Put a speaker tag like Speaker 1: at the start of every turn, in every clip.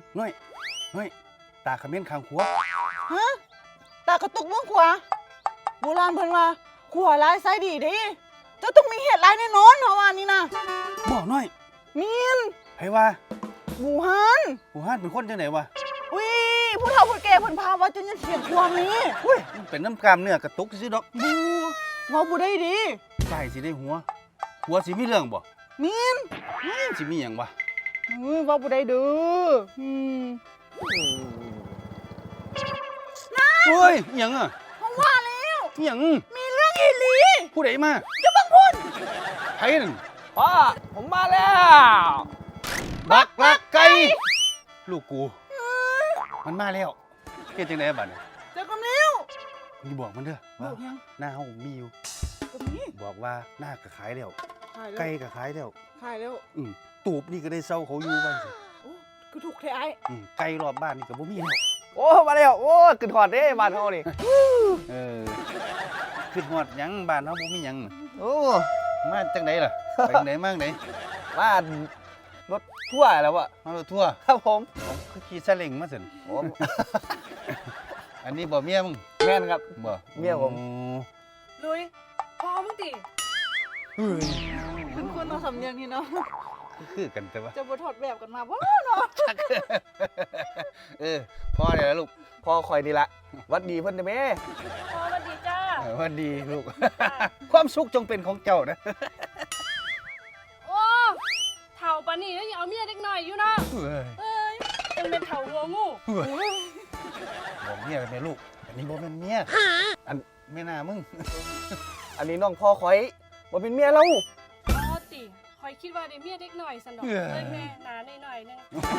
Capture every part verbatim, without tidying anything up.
Speaker 1: น้อยน้อยตาขมิ้นคางขัว
Speaker 2: ฮะตากระตุกเมืองขวาโบราณเพิ่นว่าขวาลายไซดีเด้เจ้าต้องมีเหตุร้ายแน่นอนเพราะว่านี่นะ
Speaker 1: บอกน้อย
Speaker 2: มีน
Speaker 1: ไผว่า
Speaker 2: บูฮัน
Speaker 1: บูฮันเป็นคนจังไหนวะ
Speaker 2: อุ้ยผู้เฒ่าผู้แก่เพิ่นพาว่าจนยันเถียงความนี้
Speaker 1: อุ้ยมันเป็นน้ำกามเนื้อกระตุกซื่อดอก
Speaker 2: บูเว้าบ่ได้ดิ
Speaker 1: ใส่สิได้หัวหัวสิมีเรื่องบ่
Speaker 2: มีน
Speaker 1: สิมีหยังวะ
Speaker 2: เฮ้ยเว้าบ่ได้เด้ออืม
Speaker 1: เฮ้ยหยังอ่ะ
Speaker 2: เพราะว่าแล้ว
Speaker 1: หยัง
Speaker 2: มีเรื่องอีหลี
Speaker 1: ผู้ใดมา
Speaker 2: จะบังพูด
Speaker 1: ไผนั่น
Speaker 3: พ่อผมมาแล้ว
Speaker 1: บักลักไก่ลูกกูมันมาแล้วเฮ็ดจังได๋บัดนี้
Speaker 2: เจ้ากำลิ้ว
Speaker 1: มีบอกมันเด้อว่าหน้าเฮามีอยู่
Speaker 2: ก็มี
Speaker 1: บอกว่าหน้าก็ขายแล้วไก่ก็ขายแล้ว
Speaker 2: ขายแล้ว
Speaker 1: อือตูบนี่ก็ได้เซาเขาอยู่บ้านสิ
Speaker 2: โอ้คือถูกแท้ไอ้
Speaker 1: อือไก่รอบบ้านนี่ก็บ่มีแล้ว
Speaker 3: โอ้มาแล้วโอ้ขึ้นฮอดเด้บ้านเฮานี่
Speaker 1: เออขึ้นฮอดหยังบ้านเฮาบ่มีหยัง
Speaker 3: โอ้
Speaker 1: มาจังได๋ล่ะไปจังได๋มาจังได๋
Speaker 3: บ้านรถทั่วแล้วอะ
Speaker 1: มารถทั่ว
Speaker 3: ครับผม
Speaker 1: ผมคือขี่ซาเล้งมาซั่น
Speaker 3: โอ้
Speaker 1: อันนี้บ่เมียมึง
Speaker 3: แม่นครับ
Speaker 1: บ่
Speaker 3: เมียผม
Speaker 2: ลุยพอมึงติ
Speaker 1: เฮ้ย
Speaker 2: คุณคุณเอาสำเนียงนี่เนาะ
Speaker 1: คือกันแต่ว่า
Speaker 2: จะบ่ถอดแบบกันมาบ่เนาะ
Speaker 1: เออพ่อได้แล้วลูก
Speaker 3: พ่อคอยนี่ละวัดดีเพิ่นเด้อแม่
Speaker 4: พ่อสวัสดีจ้า
Speaker 1: วัดดีลูกความสุขจงเป็นของเจ้านะ
Speaker 4: โอ้เฒ่าปานนี้แล้วยังเอาเมียเด็กน้อยอยู่เนาะเอ้ยจังเป็นเฒ่าหัวงู
Speaker 1: บอกเมียแม่ลูกอันนี้บ่แม่นเมียอันแม่น่ามึง
Speaker 3: อันนี้น้องพ่อคอยบ่เป็นเมียเรา
Speaker 4: อ๋อติคอยคิดว่าได้เมียเด็กน้อยซั่นดอกเอ้ยแม่หน้าน้อยๆนึง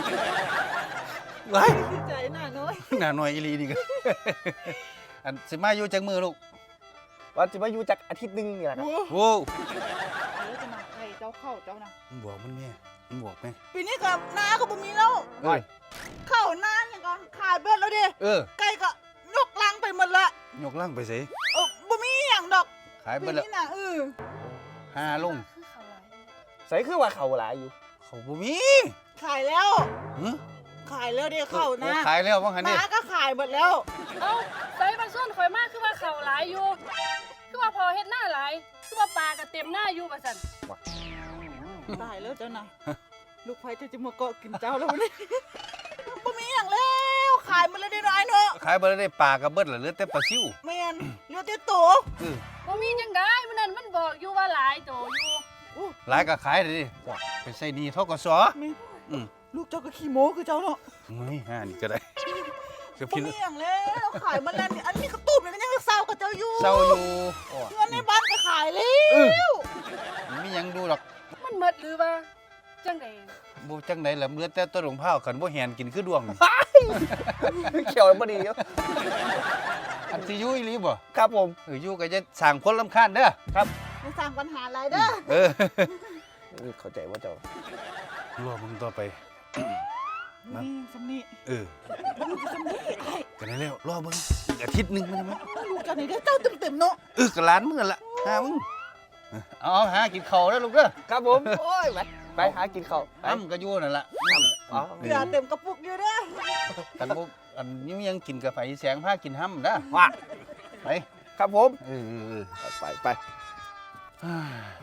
Speaker 1: ว้าย
Speaker 2: ใจหน้าน้อย
Speaker 1: หน้าน้อยอีหลีนี่ก็อันสิมาอยู่จักมื้อลูก
Speaker 3: ว่าสิมาอยู่จักอาทิตย์นึงนี่ล่ะครับ
Speaker 1: โอ้
Speaker 2: เออจะมาใครเจ้าเข้าเจ้านะ
Speaker 1: มึงบอกมันแม่มึงบอกแม่
Speaker 2: ปีนี้ก็นาก็บ่มีแล้วเข้านาอย่างก็ขายเบิดแล้วดิ
Speaker 1: เออ
Speaker 2: ไก่ก็ยกลังไปหมดละ
Speaker 1: ยกลังไปสิ
Speaker 2: เออบ่มีหยังดอก
Speaker 1: ขายเบิดแล้ว
Speaker 2: ปีนี้น่ะเออ
Speaker 1: หาลง
Speaker 3: ใส่คือว่าเขาหลายอยู่
Speaker 1: เขาบ่มี
Speaker 2: ขายแล้ว
Speaker 1: หึ
Speaker 2: ขายแล้วดิเข้านะ
Speaker 1: ขายแล้วว่างั้นดิ
Speaker 2: นาก็ขายหมดแล้ว
Speaker 4: เอ้าใส่บางส่วนข่อยมาคือว่าเขาหลายอยู่คือว่าพอเฮ็ดหน้าหลายคือว่าปลาก็เต็มหน้าอยู่ว่าซั่น
Speaker 2: ตายแล้วเจ้าน่ะลูกไผจะจะมาเกาะกินเจ้าแล้วนี่บ่มีหยังแล้วขายหมดแล้วได้น้อยเนาะ
Speaker 1: ขายบ่ได้ปลาก็เบิดแล้วเหลือแต่ปลาซิว
Speaker 2: แม่นเหลือแต่ตัว
Speaker 1: เออ
Speaker 4: บ่มีจังได๋มื้อนั้นมันบอกอยู่ว่าหลายโตอยู่
Speaker 1: หลายก็ขายได้ดิไปใส่หนี้ธกสอือ
Speaker 2: ลูกเจ้าก็ขี้โม้คือเจ้าเนาะ
Speaker 1: เฮ้ยห่านี่ก็ได้
Speaker 2: ก็บ่มีหยังแล้วขายหมดแล้วนี่อันนี้กระตุ้มนี่ก็ยังเศร้ากับเจ้าอยู่
Speaker 1: เศร้าอยู่
Speaker 2: เงินในบ้านก็ขายแล้ว
Speaker 1: มีหยังดูหรอก
Speaker 4: มันหมดหรือว่าจังได๋
Speaker 1: บ่จังได๋ล่ะเหลือแต่ต้นหลงพร้าวคันบ่แหนกินคือดวง
Speaker 3: เขียวบ่ดีอยู่
Speaker 1: อันสิอยู่อีหลีบ่
Speaker 3: ครับผม
Speaker 1: เอออยู่ก็จะสร้างคนรำคาญเด้อ
Speaker 3: ครับ
Speaker 2: ไม่สร้างปัญหาอะไรเด้อ
Speaker 1: เออ
Speaker 3: เข้าใจว่าเจ้
Speaker 1: ารอมึงต่อไป
Speaker 2: นี่สำนี
Speaker 1: เออกันได้แล้วรอเบิ่งอีกอาทิตย์นึงมันมั้ย
Speaker 2: ลูกเจ้านี่ได้เจ้าเต็มๆเนาะ
Speaker 1: เออก็ล้านมึงล่ะหามึงเอาหากินข้าวเด้อลูกเด้อ
Speaker 3: ครับผมโอ้ยไปไปหากินข้าว
Speaker 1: อ้ำก็อยู่นั่นล่ะ
Speaker 2: อ๋อเกลือเต็มกระปุกอยู่เด้อ
Speaker 1: กันบ่อันนี้ยังกินกาแฟแสงพากินห้ำนะว่าไป
Speaker 3: ครับผม
Speaker 1: เออ
Speaker 3: ไปไป